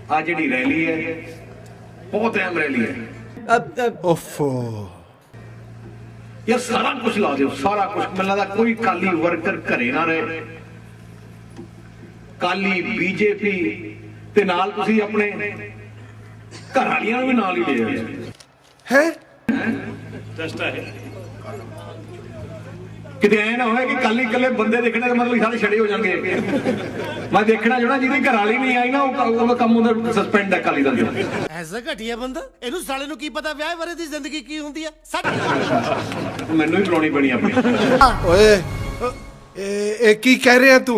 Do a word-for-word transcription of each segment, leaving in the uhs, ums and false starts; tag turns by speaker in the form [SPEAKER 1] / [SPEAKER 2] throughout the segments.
[SPEAKER 1] आ जी rally है बहुत अहम रैली है।
[SPEAKER 2] ओफो
[SPEAKER 1] यार सारा कुछ ला दो, सारा कुछ। मैंने लगता कोई काली वर्कर घरे ना रहे, काली बीजेपी ते नाल तुसी अपने घर वालियां भी नाल ही ले
[SPEAKER 2] है
[SPEAKER 1] किते ऐ ना होए कि काली कले बंदे देखने का मतलब सारे छड़े हो जाएंगे। मैं देखना जो ना जिहदी घर वाली नहीं आई ना वो काम उधर सस्पेंड है काली दल
[SPEAKER 3] ऐसा घटिया बंदा ਇਹਨੂੰ ਸਾਲੇ ਨੂੰ ਕੀ ਪਤਾ ਵਿਆਹ ਬਾਰੇ ਦੀ ਜ਼ਿੰਦਗੀ ਕੀ ਹੁੰਦੀ ਹੈ।
[SPEAKER 1] ਮੈਨੂੰ ਹੀ ਬੁਲਾਉਣੀ ਪੈਣੀ ਆਪਣੀ।
[SPEAKER 2] ओए ए, ए की कह रहे हैं तू?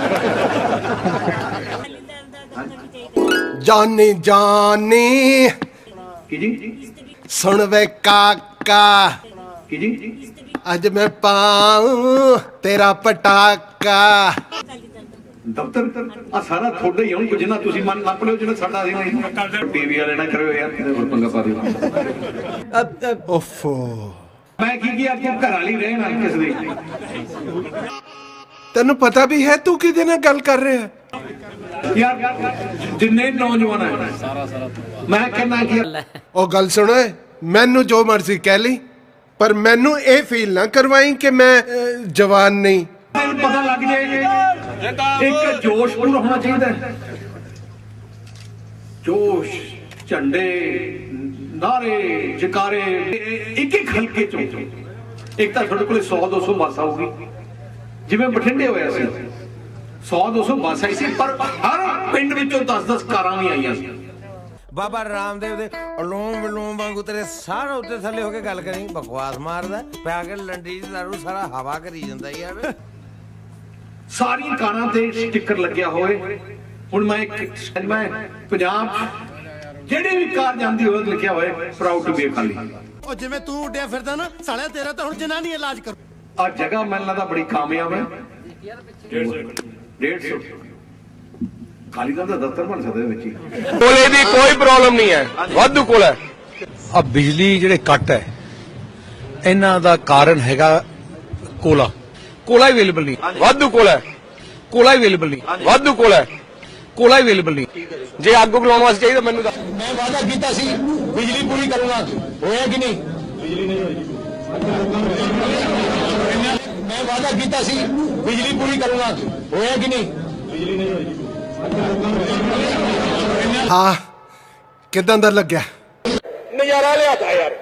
[SPEAKER 2] जानी जानी
[SPEAKER 1] की जी
[SPEAKER 2] सुन वे काका,
[SPEAKER 1] की जी
[SPEAKER 2] अज मैं पाऊं तेरा पटाका।
[SPEAKER 1] दफ्तर आ सारा थोड़ा ही हूं जिन्ना तुसी मन नप लियो जिन्ना साडा सी नहीं टीवी वाले ना करो यार तेरे कोल पंगा पा दियो।
[SPEAKER 2] ओफो
[SPEAKER 1] मैं की किया तू घर वाली रहना किस दी
[SPEAKER 2] तेनू पता भी है तू किदे नाल गल कर रहे है?
[SPEAKER 1] यार जिन्ने नौजवान है मैं कहना कि
[SPEAKER 2] ओ गल सुनो, मैनू जो मर्जी कह ली पर मैनू ये फील ना करवाई कि मैं अ, जवान नहीं।
[SPEAKER 1] पता लग जाए एक जोश पूरा होना चाहिए, जोश झंडे नारे जकारे एक एक हल्के चो एक तो थोड़े को सौ दो सौ बस आऊगी जिवें बठिंडे होया सी सौ दो सौ बस आई सी पर हर पिंड विचों दस दस कारां भी आईयां सी।
[SPEAKER 3] ਬਾਬਾ ਰਾਮਦੇਵ ਦੇ ਅਲੋਮ ਵਿਲੋਮ ਵਾਂਗੂ ਤੇਰੇ ਸਾਰਾ ਉੱਤੇ ਥੱਲੇ ਹੋ ਕੇ ਗੱਲ ਕਰੀ, ਬਕਵਾਸ ਮਾਰਦਾ ਪਿਆ ਕੇ ਲੰਡੀ ਚ ਦਾਰੂ ਸਾਰਾ ਹਵਾ ਕਰੀ ਜਾਂਦਾ ਯਾਰ।
[SPEAKER 1] ਸਾਰੀਆਂ ਕਾਰਾਂ ਤੇ ਸਟicker ਲੱਗਿਆ ਹੋਏ। ਹੁਣ ਮੈਂ ਇੱਕ ਮੈਂ ਪੰਜਾਬ ਜਿਹੜੀ ਵੀ ਕਾਰ ਜਾਂਦੀ ਹੋਵੇ ਲਿਖਿਆ ਹੋਏ ਪ੍ਰਾਊਡ ਟੂ ਬੀ ਅਕਾਲੀ।
[SPEAKER 3] ਉਹ ਜਿਵੇਂ ਤੂੰ ਉੱਡਿਆ ਫਿਰਦਾ ਨਾ ਸਾਲਿਆ ਤੇਰਾ ਤਾਂ ਹੁਣ ਜਨਾਨੀ ਇਲਾਜ ਕਰੂ।
[SPEAKER 1] ਆ ਜਗ੍ਹਾ ਮੈਨੂੰ ਲੱਗਦਾ ਬੜੀ ਕਾਮਯਾਬ ਹੈ। डेढ़ सौ ਕਾਲੀ ਦਾ ਦਫ਼ਤਰ ਬਣ ਸਕਦਾ ਵਿੱਚ ਹੀ।
[SPEAKER 4] ਕੋਲੇ ਦੀ ਕੋਈ ਪ੍ਰੋਬਲਮ ਨਹੀਂ ਹੈ, ਵਾਧੂ ਕੋਲ ਹੈ। ਆ ਬਿਜਲੀ ਜਿਹੜੇ ਕੱਟ ਹੈ ਇਹਨਾਂ ਦਾ ਕਾਰਨ ਹੈਗਾ ਕੋਲਾ। ਕੋਲਾ ਅਵੇਲੇਬਲ ਨਹੀਂ, ਵਾਧੂ ਕੋਲਾ ਹੈ। ਕੋਲਾ ਅਵੇਲੇਬਲ ਨਹੀਂ, ਵਾਧੂ ਕੋਲਾ ਹੈ। ਕੋਲਾ ਅਵੇਲੇਬਲ ਨਹੀਂ। ਜੇ ਅੱਗ ਬੁਲਾਉਣ ਵਾਸਤੇ ਚਾਹੀਦਾ ਮੈਨੂੰ ਦੱਸ। ਮੈਂ ਵਾਅਦਾ ਕੀਤਾ ਸੀ ਬਿਜਲੀ ਪੂਰੀ ਕਰੂੰਗਾ, ਹੋਇਆ ਕਿ ਨਹੀਂ? ਬਿਜਲੀ ਨਹੀਂ ਹੋਈ। ਮੈਂ ਵਾਅਦਾ ਕੀਤਾ ਸੀ ਬਿਜਲੀ ਪੂਰੀ ਕਰੂੰਗਾ, ਹੋਇਆ ਕਿ ਨਹੀਂ? ਬਿਜਲੀ ਨਹੀਂ ਹੋਈ।
[SPEAKER 2] हाँ किदां दा लग्या?
[SPEAKER 4] ਨਜ਼ਾਰਾ ਲਿਆਤਾ ਯਾਰ।